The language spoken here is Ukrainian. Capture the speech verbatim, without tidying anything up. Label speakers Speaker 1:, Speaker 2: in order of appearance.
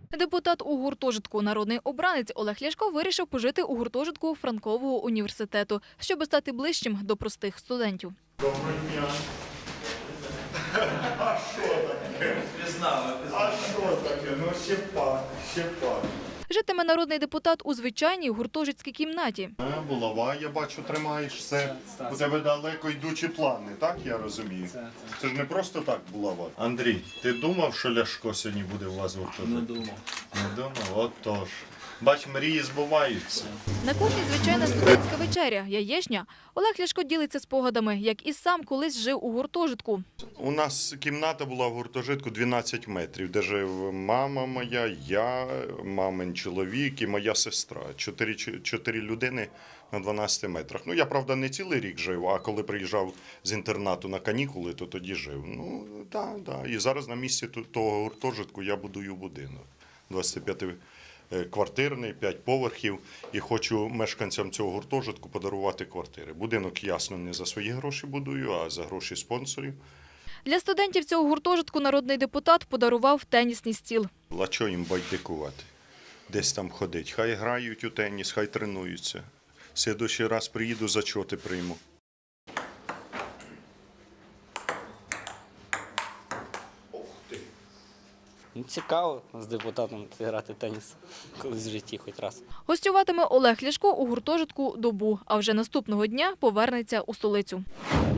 Speaker 1: Депутат у гуртожитку «Народний обранець» Олег Ляшко вирішив пожити у гуртожитку Франкового університету, щоб стати ближчим до простих студентів.
Speaker 2: Доброго дня. А що таке?
Speaker 3: Пізнали,
Speaker 2: А що таке? Ну ще пак, ще пак.
Speaker 1: Житиме народний депутат у звичайній гуртожитській кімнаті.
Speaker 2: Булава, я бачу, тримаєш все. У тебе далеко йдучі плани, так я розумію? Це ж не просто так булава. Андрій, ти думав, що Ляшко сьогодні буде у вас в гуртожитку?
Speaker 3: Не думав.
Speaker 2: Не думав? Отож. Бач, мрії збуваються.
Speaker 1: На кухні звичайна студентська вечеря, яєчня. Олег Ляшко ділиться спогадами, як і сам колись жив у гуртожитку.
Speaker 2: У нас кімната була в гуртожитку дванадцять метрів, де жив мама моя, я, мамин чоловік і моя сестра. Чотири, чотири людини на дванадцяти метрах. Ну, я, правда, не цілий рік жив, а коли приїжджав з інтернату на канікули, то тоді жив. Ну, так, да, так. Да. І зараз на місці того гуртожитку я будую будинок. двадцятип'ятиквартирний, п'ять поверхів. І хочу мешканцям цього гуртожитку подарувати квартири. Будинок, ясно, не за свої гроші будую, а за гроші спонсорів.
Speaker 1: Для студентів цього гуртожитку народний депутат подарував тенісний стіл.
Speaker 2: А чого їм байдикувати? Десь там ходить. Хай грають у теніс, хай тренуються. В слідуючий раз приїду, зачоти прийму. Ох ти!
Speaker 4: Ну, цікаво з депутатом грати в теніс колись в житті хоч раз.
Speaker 1: Гостюватиме Олег Ляшко у гуртожитку добу, а вже наступного дня повернеться у столицю.